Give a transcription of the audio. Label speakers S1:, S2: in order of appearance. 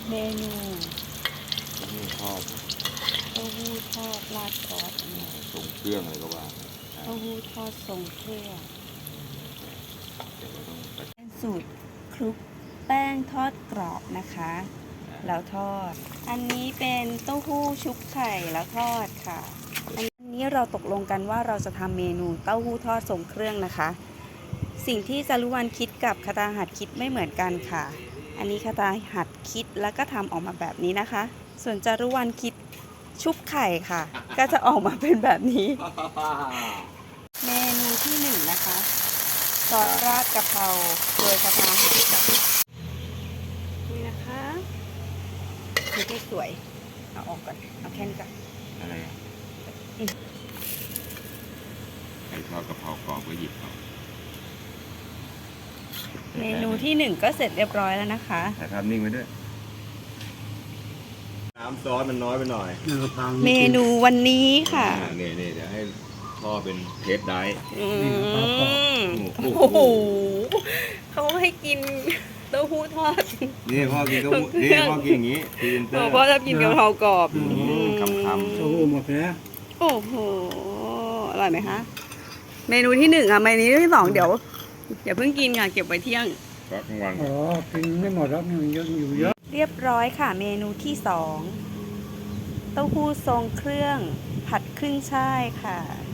S1: เมนู
S2: นี่ทอด
S1: เต้าหู้ทอดราดซอส
S2: ส่งเครื่องอะไรก็ว่า
S1: เต้าหู้ทอดทรงเครื่อง
S2: เดี๋ยวเราต้องไป
S1: เป็นสูตรคลุกแป้งทอดกรอบนะคะ แล้วทอด อันนี้เป็นเต้าหู้ชุบไข่แล้วทอดค่ะ อันนี้เราตกลงกันว่าเราจะทำเมนูเต้าหู้ทอดทรงเครื่องนะคะ สิ่งที่จารุวรรณคิดกับคตาหัดคิดไม่เหมือนกันค่ะ อันนี้คตาหัดคิดแล้วก็ทำออกมาแบบนี้นะคะ ส่วนจารุวรรณคิดชุบไข่ค่ะ ก็จะออกมาเป็นแบบนี้ เมนูที่หนึ่งนะคะซอสราดกะเพราโดยคตาหัดกับนี่นะคะคือที่สวยเอาออกก่อนเอาแค่นี้ก่อน
S2: อะไรอ่ะไก่ทอดกะเพรากรอบก็หยิบเอา
S1: เมนูที่หนึ่งก็เสร็จเรียบร้อยแล้วนะคะ
S2: ถ่ายภาพนิ่งไว้ด้วยน้ำซอสมันน้อยไปหน่อย
S1: เมนูวันนี้ค่ะ
S2: นี่เดี๋ยวให้พ่อเป็นเทสได้
S1: อืม
S2: โอ้
S1: โอ้
S2: โห
S1: โหเขาให้กินเต้าหู้ทอด
S2: นี่พ่อกินก็นี่พ่อกินอย่างนี้พรีเซนเตอร์
S1: พ่อชอบกินกะเพรากรอบ
S2: คำ
S3: โอ้โหหมดแล้ว
S1: โอ้โหอร่อยไหมคะ เมนูที่หนึ่งค่ะเมนูที่สองเดี๋ยวอย่าเพิ่งกินค่ะเก็บไว้เที่ยง
S2: ก็กลางวัน
S3: อ๋อ กินไม่หมดแล้วมันยังอยู่เยอะ
S1: เรียบร้อยค่ะ เมนูที่สองเต้าหู้ทรงเครื่องผัดขึ้นช่ายค่ะ